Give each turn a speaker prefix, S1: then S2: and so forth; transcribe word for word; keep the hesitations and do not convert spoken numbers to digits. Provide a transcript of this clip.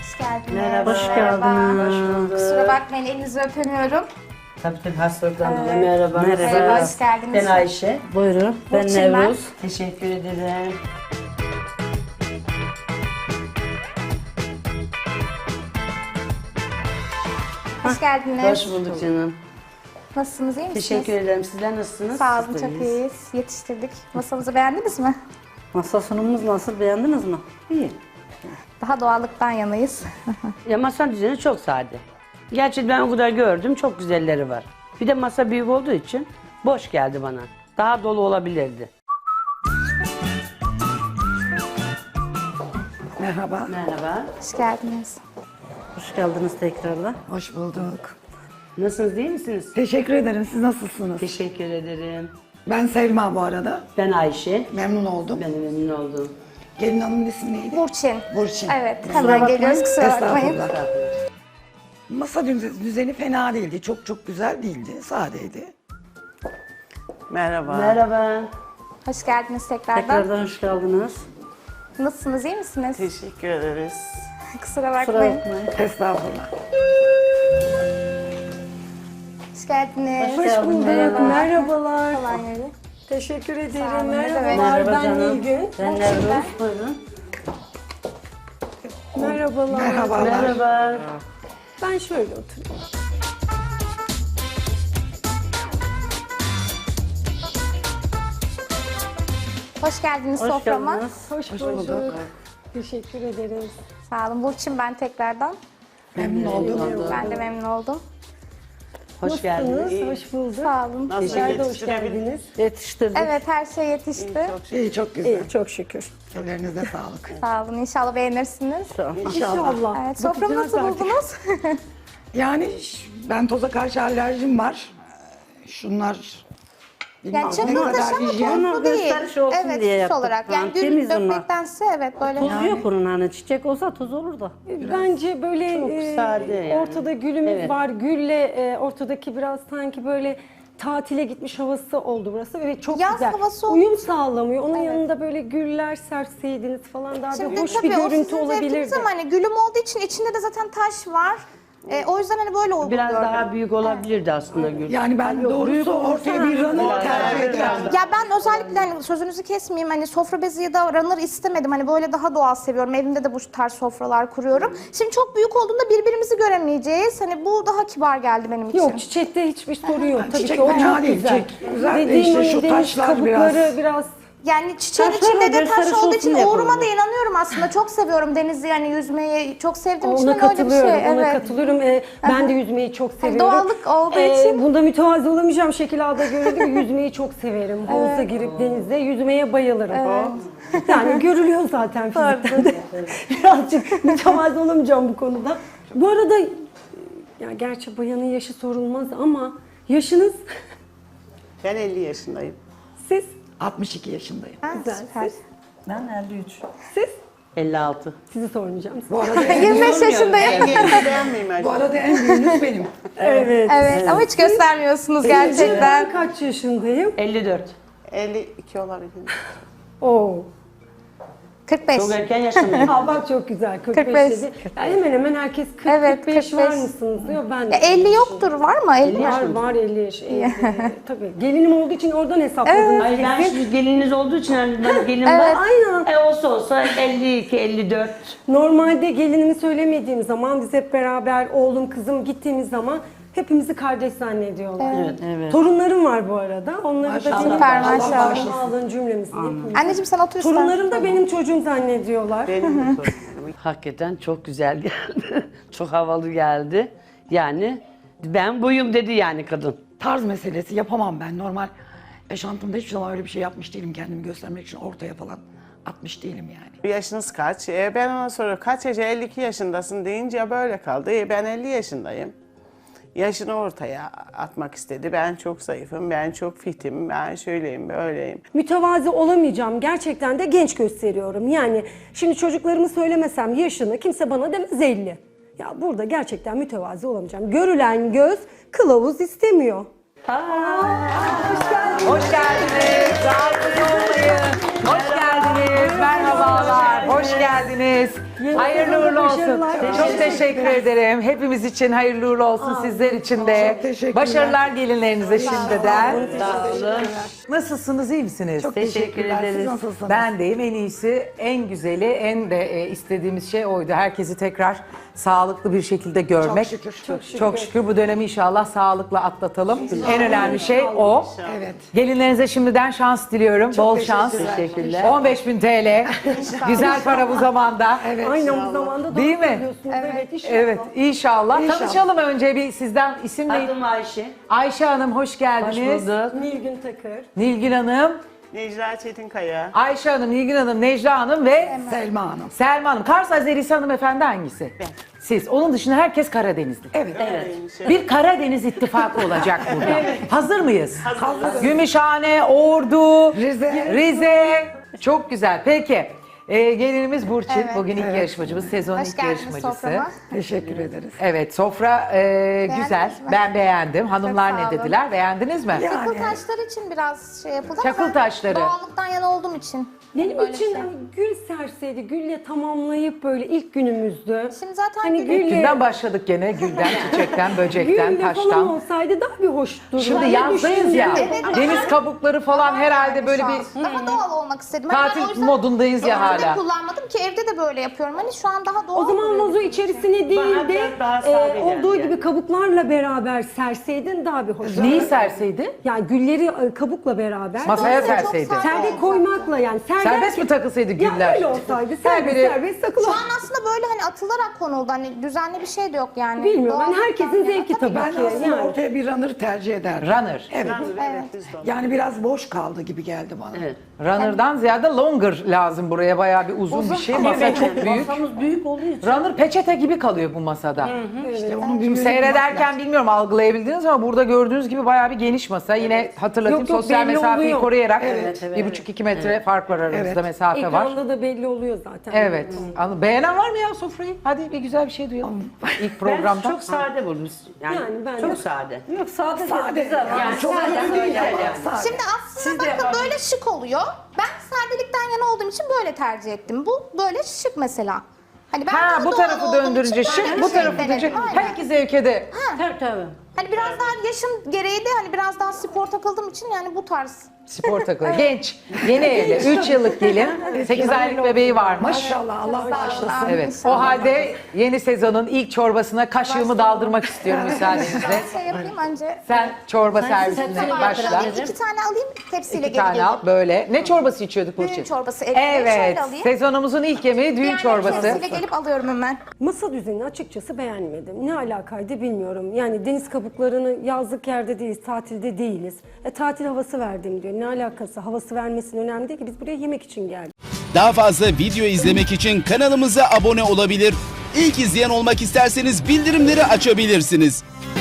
S1: Hoş geldiniz.
S2: Merhaba.
S3: Hoş geldiniz.
S1: Kusura bakmayın, elinizi öpemiyorum.
S2: Tabii tabii hastalıktan
S1: Evet.
S2: dolayı merhaba.
S3: Merhaba.
S1: Merhaba, hoş geldiniz.
S2: Ben Ayşe.
S3: Buyurun. Ben
S1: Burçin ben.
S3: Nevruz.
S2: Teşekkür ederim.
S1: Hoş geldiniz.
S2: Hoş bulduk canım.
S1: Nasılsınız, iyi misiniz?
S2: Teşekkür ederim. Sizler nasılsınız?
S1: Sağ olun,
S2: Siz de
S1: çok
S2: iyiyiz.
S1: iyiyiz. Yetiştirdik. Masamızı beğendiniz mi?
S3: Masa sunumumuz nasıl? Beğendiniz mi?
S2: İyi.
S1: Daha doğallıktan yanayız.
S2: Ya masa düzeni çok sade. Gerçi ben o kadar gördüm. Çok güzelleri var. Bir de masa büyük olduğu için boş geldi bana. Daha dolu olabilirdi.
S4: Merhaba,
S2: Merhaba.
S1: Hoş geldiniz.
S3: Hoş geldiniz tekrardan.
S4: hoş bulduk.
S2: Nasılsınız, değil misiniz?
S4: Teşekkür ederim. Siz nasılsınız?
S2: Teşekkür ederim.
S4: Ben Selma bu arada.
S2: Ben Ayşe.
S4: Memnun oldum.
S2: Ben de memnun oldum.
S4: Gelin hanımın ismi neydi?
S1: Burçin.
S4: Burçin.
S1: Evet, hemen geliyoruz, kusura bakmayın.
S4: Estağfurullah. Masa düz- düzeni fena değildi. Çok çok güzel değildi. Sadeydi.
S5: Merhaba.
S2: Merhaba.
S1: Hoş geldiniz tekrardan.
S3: Tekrardan hoş geldiniz.
S1: Nasılsınız, iyi misiniz?
S5: Teşekkür ederiz.
S1: Kusura
S3: Kusura
S1: bakmayın.
S3: bakmayın.
S4: Estağfurullah.
S1: Hoş geldiniz.
S3: Hoş geldiniz. Merhaba.
S6: Merhabalar.
S1: Falan yeri.
S6: Teşekkür
S1: Sağ
S6: ederim.
S1: olun, ne demek.
S6: Merhabalar.
S3: Merhaba
S6: Ben
S3: canım.
S6: Nilgün.
S3: Ben Nevruz. Buyurun.
S6: Merhabalar.
S4: Merhabalar.
S2: Merhaba.
S6: Ben şöyle oturayım.
S1: Hoş geldiniz
S3: Hoş
S1: soframa.
S3: geldiniz.
S6: Hoş, bulduk. Teşekkür ederiz.
S1: Sağ olun. Burçin ben tekrardan.
S4: Memnun oldum.
S1: Ben de memnun oldum.
S2: Hoş geldiniz.
S6: Nasılsınız? Hoş bulduk.
S1: Sağ olun.
S5: Nasıl
S6: Sizler de hoş
S5: yetiştirebildiniz?
S6: geldiniz.
S3: Yetiştirdik.
S1: Evet, her şey yetişti.
S4: İyi, çok güzel.
S6: İyi, çok şükür.
S4: Ellerinize sağlık.
S1: Sağ olun. İnşallah beğenirsiniz.
S4: İnşallah.
S1: Evet, soframı
S6: Bakacağız
S1: nasıl
S6: artık.
S1: buldunuz?
S4: Yani ş- ben toza karşı alerjim var. Şunlar bilmem
S1: Yani
S4: ne
S1: çakıl
S4: kadar
S1: taşı ama
S4: hijyen.
S1: tozlu değil.
S3: gösteriş olsun
S1: Evet,
S3: diye
S1: süs
S3: yaptık.
S1: olarak. Yani
S3: Yani
S1: gül
S3: temiz ama.
S1: dökmektense evet böyle.
S3: Tozu yok bunun hani. Çiçek olsa toz olur da.
S6: Bence böyle e,
S2: sade yani.
S6: ortada gülümüz
S2: Evet.
S6: var. Gülle e, ortadaki biraz sanki böyle tatile gitmiş havası oldu burası ve çok
S1: Yaz
S6: güzel.
S1: havası oldu.
S6: Uyum sağlamıyor. Onun
S1: Evet.
S6: yanında böyle güller serseydiniz falan daha
S1: Şimdi
S6: da hoş
S1: tabii
S6: bir
S1: o
S6: görüntü
S1: sizin zevkiniz
S6: olabilirdi.
S1: ama hani gülüm olduğu için içinde de zaten taş var. E, o yüzden hani böyle oldu.
S2: Biraz
S1: gördüm.
S2: daha büyük olabilirdi aslında Gül.
S4: Yani ben doğrusu ortaya bir runner tercih ederdim.
S1: Ya ben özellikle hani sözünüzü kesmeyeyim hani sofra bezi ya da runner istemedim. Hani böyle daha doğal seviyorum. Evimde de bu tarz sofralar kuruyorum. Şimdi çok büyük olduğunda birbirimizi göremeyeceğiz. Hani bu daha kibar geldi benim için.
S6: Yok, çiçekte hiçbir sorun yok. Tabii
S4: Çiçek
S6: ki o
S4: fena
S6: çok
S4: değil,
S6: güzel.
S4: çiçek güzel de
S6: Dediğim
S4: işte
S6: o
S4: şu
S6: deniz
S4: taşlar
S6: kabukları
S4: biraz-
S6: biraz
S1: Yani çiçeğin
S3: Taşlar
S1: içinde de taş
S3: gösteriş
S1: olduğu
S3: olsun
S1: için
S3: diye
S1: uğruma da
S3: koydum.
S1: inanıyorum aslında. Çok seviyorum denizi yani yüzmeyi çok sevdiğim için
S6: ona
S1: hani öyle bir
S6: katılıyorum.
S1: şey.
S6: Ona
S1: Evet.
S6: katılıyorum. Ee, ben de yüzmeyi çok seviyorum.
S1: doğallık olduğu
S6: Ee,
S1: için.
S6: Bunda mütevazı olamayacağım şekil alda görüldü. Yüzmeyi çok severim. Havuza girip denize yüzmeye bayılırım. Yani görülüyor zaten fizikten de. Birazcık mütevazı olamayacağım bu konuda. Bu arada ya gerçi bayanın yaşı sorulmaz ama yaşınız
S5: Ben elli yaşındayım.
S6: siz
S4: altmış iki yaşındayım.
S1: Ha,
S6: Güzel.
S1: süper.
S3: Ben elli üç.
S6: siz
S2: elli altı.
S6: sizi sormayacağım.
S4: Bu arada en,
S1: yirmi beş yaşındayım.
S5: Ben genç beğenmeyeyim
S4: bu
S5: acaba.
S4: arada en büyüğünüz benim.
S6: Evet.
S1: Evet ama hiç göstermiyorsunuz gerçekten.
S6: Ben kaç yaşındayım?
S2: elli dört.
S5: elli iki olabilir.
S6: Oo.
S1: kırk beş.
S2: Çok erken yaşlandım.
S6: Aa bak çok güzel. kırk beş,
S1: kırk beş.
S6: dedi. Ya hemen hemen herkes kırk
S1: Evet,
S6: kırk beş
S1: kırk
S6: var
S1: beş.
S6: mısınız diyor. Ben de
S1: Ya elli yoktur var mı? elli
S6: Var var elli yaş. elli. Tabii. Gelinim olduğu için oradan hesapladınız.
S2: Ay ben
S6: kesin.
S2: şimdi gelininiz olduğu için hani ben gelin
S1: Evet.
S2: var.
S6: Aynen.
S2: E olsa olsa elli iki elli dört.
S6: Normalde gelinimi söylemediğim zaman biz hep beraber oğlum kızım gittiğimiz zaman hepimizi kardeş zannediyorlar.
S2: Evet.
S3: Evet.
S6: Torunlarım var bu arada. Onları da
S4: Maşallah.
S6: benim
S1: Süper,
S4: Allah
S1: maşallah.
S4: bağışlasın.
S6: alın cümlemizi yapın.
S1: Anneciğim sen otur istersen.
S6: Torunlarım da benim çocuğum zannediyorlar.
S5: Benim de sorunum.
S2: Hakikaten çok güzel geldi. Çok havalı geldi. Yani ben buyum dedi yani kadın.
S4: Tarz meselesi yapamam ben. Normal yaşantımda hiçbir zaman öyle bir şey yapmış değilim. Kendimi göstermek için ortaya falan atmış değilim yani.
S5: Yaşınız kaç? E, ben ona soruyorum kaç yaş? elli iki yaşındasın deyince böyle kaldı. E, ben elli yaşındayım. Yaşını ortaya atmak istedi. Ben çok zayıfım, ben çok fitim, ben şöyleyim, böyleyim.
S6: Mütevazi olamayacağım. Gerçekten de genç gösteriyorum. Yani şimdi çocuklarımı söylemesem yaşını kimse bana demez elli. Ya burada gerçekten mütevazi olamayacağım. Görülen göz kılavuz istemiyor.
S7: Hoş geldiniz. Rahatsız olmayın. Hoş geldiniz. Merhabalar. Hoş geldiniz. Hayırlı uğurlu olsun.
S6: Başarılar.
S7: Çok teşekkür ederim. Hepimiz için hayırlı uğurlu olsun, sizler için de.
S4: Çok teşekkürler.
S7: Başarılar gelinlerinize şimdiden.
S2: Sağ olun.
S7: Nasılsınız, iyi misiniz?
S4: Çok
S2: Teşekkür
S4: teşekkürler. Siz
S2: ederiz.
S4: nasılsınız?
S7: Ben deyim, en iyisi, en güzeli, en de e, istediğimiz şey oydu. Herkesi tekrar sağlıklı bir şekilde görmek.
S4: Çok şükür. Çok şükür.
S7: Çok şükür bu dönemi inşallah sağlıkla atlatalım. En önemli şey o.
S4: Evet.
S7: Gelinlerinize şimdiden şans diliyorum. Bol şans.
S4: teşekkürler.
S2: Teşekkürler.
S7: on beş bin T L. Güzel para bu zamanda.
S6: Aynı zamanda doğru
S7: Değil mi?
S6: söylüyorsunuz. Evet, inşallah.
S7: Evet, inşallah.
S4: İnşallah.
S7: Tanışalım önce bir sizden isim neydi?
S2: Adım Ayşe.
S7: Ayşe Hanım hoş
S2: Hoş
S7: geldiniz.
S2: bulduk.
S6: Nilgün Takır.
S7: Nilgün Hanım,
S5: Necla Çetinkaya.
S7: Ayşe Hanım, Nilgün Hanım, Necla Hanım ve
S4: Selma Hanım.
S7: Selma Hanım. Kars Azerisi hanımefendi hangisi? Ben. Siz. Onun dışında herkes Karadenizli.
S4: Evet.
S7: Bir Karadeniz ittifakı olacak burada. Hazır mıyız? Hazırız. Gümüşhane, Ordu,
S4: Rize.
S7: Rize. Çok güzel. Peki. Ee, gelinimiz Burçin.
S1: Evet.
S7: Bugün ilk yarışmacımız, sezonun
S1: Hoş
S7: ilk
S1: geldiniz
S7: yarışmacısı.
S1: soframa.
S4: Teşekkür ederiz.
S7: Evet, sofra e, güzel.
S1: mi?
S7: Ben beğendim. Hanımlar
S1: sağ
S7: ne
S1: olun.
S7: dediler? Beğendiniz mi?
S4: Ya.
S1: Çakıl
S4: Yani.
S1: taşları için biraz şey yapıldı
S7: Çakıl
S1: ama
S7: taşları.
S1: ben doğallıktan yana olduğum için.
S6: Benim
S1: böyle
S6: için
S1: şey.
S6: hani gül serseydi, gülle tamamlayıp böyle ilk günümüzdü.
S1: Şimdi zaten
S6: Hani
S1: gülü-
S6: gülle,
S7: Günden başladık gene. Gülden, çiçekten, böcekten,
S6: gülle falan
S7: taştan.
S6: olsaydı daha bir hoş dururdu.
S7: Şimdi
S6: Ben de
S7: yazdayız ya.
S6: düşündüm.
S1: Evet.
S7: Deniz kabukları falan herhalde
S1: Yani
S7: böyle
S1: şu
S7: bir
S1: an daha doğal olmak istedim. Hani ben
S7: tatil
S1: o yüzden
S7: modundayız ya
S1: evde
S7: hala.
S1: kullanmadım ki evde de böyle yapıyorum. Hani şu an daha doğal.
S6: O zaman
S1: duruyor.
S6: vazo içerisine değil de
S2: biraz daha
S6: e,
S2: sade
S6: olduğu
S2: geldi.
S6: gibi kabuklarla beraber serseydin daha bir hoş.
S7: Neyi serseydi?
S6: Yani gülleri e, kabukla beraber.
S7: Masaya
S1: Çok
S7: serseydi.
S1: sade.
S6: Serde koymakla yani. Ser
S7: Serbest mi takılsaydı güller?
S6: Ya öyle olsaydı serbest
S7: biri-
S6: serbest takılı.
S1: Şu an aslında böyle hani atılarak konuldu. Hani düzenli bir şey de yok yani.
S6: Bilmiyorum. Ben
S1: Doğallıktan
S6: herkesin
S1: yana.
S6: zevki tabii
S4: Ben
S6: ki.
S4: aslında
S6: Yani.
S4: ortaya bir runner tercih ederdim.
S7: Runner.
S4: Evet.
S1: Evet.
S5: Biz de onu.
S4: Yani biraz boş kaldı gibi geldi bana.
S2: Evet.
S7: Runner'dan ziyade longer lazım buraya. Bayağı bir uzun, bir şey. Masa çok büyük.
S3: Masamız büyük olduğu için.
S7: Runner peçete gibi kalıyor bu masada.
S4: İşte onun
S7: Şimdi
S4: büyüğünü
S7: seyrederken bilmiyorum algılayabildiniz ama burada gördüğünüz gibi bayağı bir geniş masa. Yine hatırlatayım
S6: Yok, yok,
S7: sosyal
S6: belli
S7: mesafeyi
S6: oluyor.
S7: koruyarak
S3: Evet, evet,
S7: bir
S3: evet.
S7: buçuk iki metre fark var aramızda,
S4: Evet.
S7: mesafe var.
S6: Ekranda da belli oluyor zaten.
S7: Evet. Anladım. Beğenen var mı ya sofrayı? Hadi bir güzel bir şey duyalım. İlk
S2: Ben
S7: programda.
S2: çok sade buldum. Yani,
S6: Yani ben
S2: çok
S6: de-
S2: sade.
S3: Yok sade,
S4: Sade.
S3: güzel.
S4: Yani çok
S2: sade,
S4: kötü değil
S2: güzel
S4: ama
S2: yani.
S4: sade.
S1: Şimdi aslında bakın böyle şık oluyor. Ben sadelikten yana olduğum için böyle tercih ettim. Bu böyle şık mesela. Hani ben
S7: Ha
S1: daha
S7: bu
S1: doğal
S7: tarafı
S1: olduğum
S7: döndürünce
S1: için böyle
S7: şık,
S1: bir
S7: bu
S1: şey
S7: tarafı
S1: denedim.
S7: döndürünce
S1: Aynen.
S7: her iki zevke de.
S3: Tabii tabii.
S1: Hani biraz daha yaşım gereği de hani biraz daha spor takıldığım için yani bu tarz.
S7: Spor takılı. Genç, yeni evli, üç yıllık gelin, sekiz aylık bebeği varmış.
S4: Maşallah Allah bağışlasın.
S7: Evet. O halde yeni sezonun ilk çorbasına kaşığımı daldırmak istiyorum müsaadenizle.
S1: Şey yapayım önce.
S7: Sen çorba
S3: Sen
S7: servisine
S3: sepsini
S7: başla.
S3: getirebilirsin.
S1: İki tane alayım tepsiyle
S7: İki
S1: geri
S7: tane al
S1: geleyim.
S7: böyle. Ne çorbası içiyorduk Burçin?
S1: Düğün çorbası elimde.
S7: Evet.
S1: Şöyle alayım.
S7: Sezonumuzun ilk yemeği düğün
S1: Diğer
S7: çorbası.
S1: tepsiyle gelip alıyorum hemen.
S6: Masa düzenini açıkçası beğenmedim. Ne alakaydı bilmiyorum. Yani deniz kabuklarını yazlık yerde değiliz, tatilde değiliz. E, tatil havası verdim diyor. Ne alakası? Havası vermesinin önemli değil ki. Biz buraya yemek için geldik.
S8: Daha fazla video izlemek için kanalımıza abone olabilir. İlk izleyen olmak isterseniz bildirimleri açabilirsiniz.